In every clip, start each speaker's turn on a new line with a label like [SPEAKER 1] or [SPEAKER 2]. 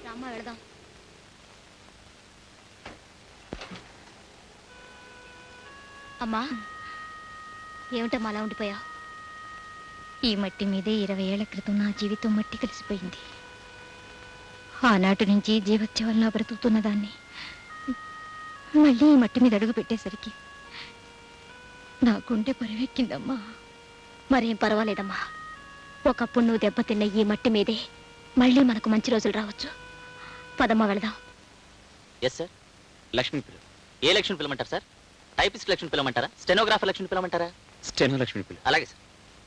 [SPEAKER 1] రామ్మా వెళదాం. అమ్మా ఏమిటమ్మా అలా ఉండిపోయావు? ఈ మట్టి మీదే 20 ఏళ్ల క్రితం నా జీవితం మట్టి కలిసిపోయింది. ఆనాటి నుంచి జీవత్యవల్లా బ్రతుకుతున్న దాన్ని మళ్ళీ ఈ మట్టి మీద అడుగు పెట్టేసరికి నా గుండె పరివెక్కిందమ్మా. మరేం పర్వాలేదమ్మా, ఒకప్పుడు నువ్వు దెబ్బతిన్న ఈ మట్టి మీదే మళ్ళీ మనకు మంచి రోజులు రావచ్చు. పదమ్మా వెళదాం.
[SPEAKER 2] Yes sir. లక్ష్మి పిల్ల. ఏ లక్ష్మి పిల్లమంటారు సార్? టైపిస్ట్ లక్ష్మి పిల్లమంటారా? స్టెనోగ్రాఫర్ లక్ష్మి పిల్లమంటారా? స్టెనో లక్ష్మి పిల్ల. అలాగే సార్.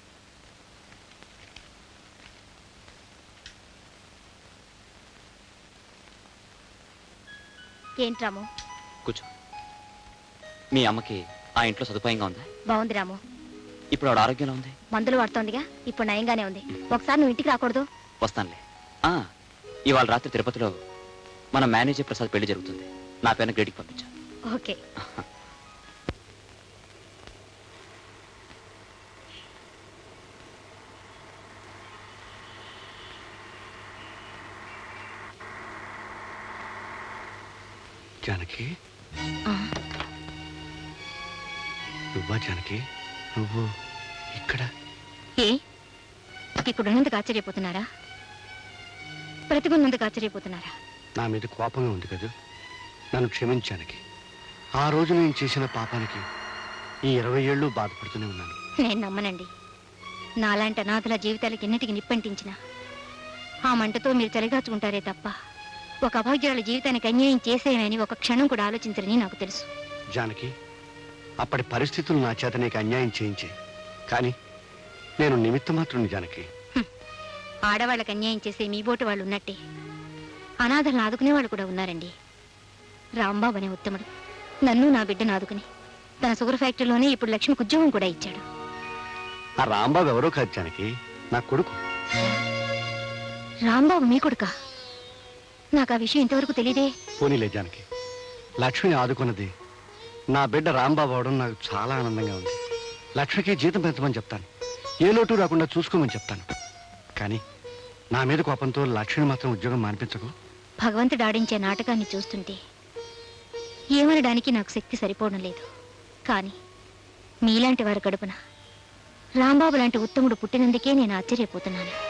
[SPEAKER 1] ఏంటి రాము?
[SPEAKER 2] కూర్చో. మీ అమ్మకి ఆ ఇంట్లో సదుపాయంగా ఉందా?
[SPEAKER 1] బాగుంది రాము.
[SPEAKER 2] ఇప్పుడు ఆవిడ ఆరోగ్యంలో ఉంది?
[SPEAKER 1] మందులు వాడుతోందిగా, ఇప్పుడు నయంగానే ఉంది. ఒకసారి నువ్వు ఇంటికి రాకూడదు?
[SPEAKER 2] వస్తానులే. ఇవాళ రాత్రి తిరుపతిలో మన మేనేజర్ ప్రసాద్ పెళ్లి జరుగుతుంది. నా పేరున గ్రేడికి పంపించా.
[SPEAKER 1] ఓకే.
[SPEAKER 3] జానకి, నువ్వా జానకి? నువ్వు ఇక్కడ?
[SPEAKER 1] ఇక్కడున్నందుకు ఆశ్చర్యపోతున్నారా? బ్రతికున్నందుకు ఆశ్చర్యపోతున్నారా?
[SPEAKER 3] నా మీద కోపంగా ఉంది కదా, నన్ను క్షమించానికి. ఆ రోజు నేను చేసిన పాపానికి ఈ 20 ఏళ్ళు బాధపడుతూనే ఉన్నాను.
[SPEAKER 1] నేను నమ్మనండి. నాలాంటి అనాథల జీవితాలకి ఎన్నిటికి నిప్పంటించిన ఆ మంటతో మీరు చలిగాచుకుంటారే తప్ప ఒక అభాగ్యురాల జీవితానికి అన్యాయం చేసేయమని ఒక క్షణం కూడా ఆలోచించరని నాకు తెలుసు.
[SPEAKER 3] జానకి, అప్పటి పరిస్థితులు నా చేత నీకు అన్యాయం చేయించే, కానీ నేను నిమిత్త మాత్రం. జానకి,
[SPEAKER 1] ఆడవాళ్ళకి అన్యాయం చేసే మీ బోటు వాళ్ళు ఉన్నట్టే అనాథలను ఆదుకునే వాళ్ళు కూడా ఉన్నారండి. రాంబాబు అనే ఉత్తముడు నన్ను నా బిడ్డను ఆదుకుని తన షుగర్ ఫ్యాక్టరీలోనే ఇప్పుడు లక్ష్మికి ఉద్యోగం కూడా ఇచ్చాడు.
[SPEAKER 3] ఆ రాంబాబు ఎవరో కాదు జానకి, నా కొడుకు.
[SPEAKER 1] రాంబాబు మీ కొడుకా? నాకు ఆ విషయం ఇంతవరకు తెలియదే.
[SPEAKER 3] పోనీలే జానకి, లక్ష్మిని ఆదుకున్నది నా బిడ్డ రాంబాబు అవడం నాకు చాలా ఆనందంగా ఉంది. లక్ష్మికి జీతం పెంచమని చెప్తాను, ఏ లోటు రాకుండా చూసుకోమని చెప్తాను. కానీ నా మీద కోపంతో లక్ష్మిని మాత్రం ఉద్యోగం మానిపించకు.
[SPEAKER 1] భగవంతుడు ఆడించే నాటకాన్ని చూస్తుంటే ఏమనడానికి నాకు శక్తి సరిపోవడం లేదు. కానీ మీలాంటి వారి కడుపున రాంబాబు లాంటి ఉత్తముడు పుట్టినందుకే నేను ఆశ్చర్యపోతున్నాను.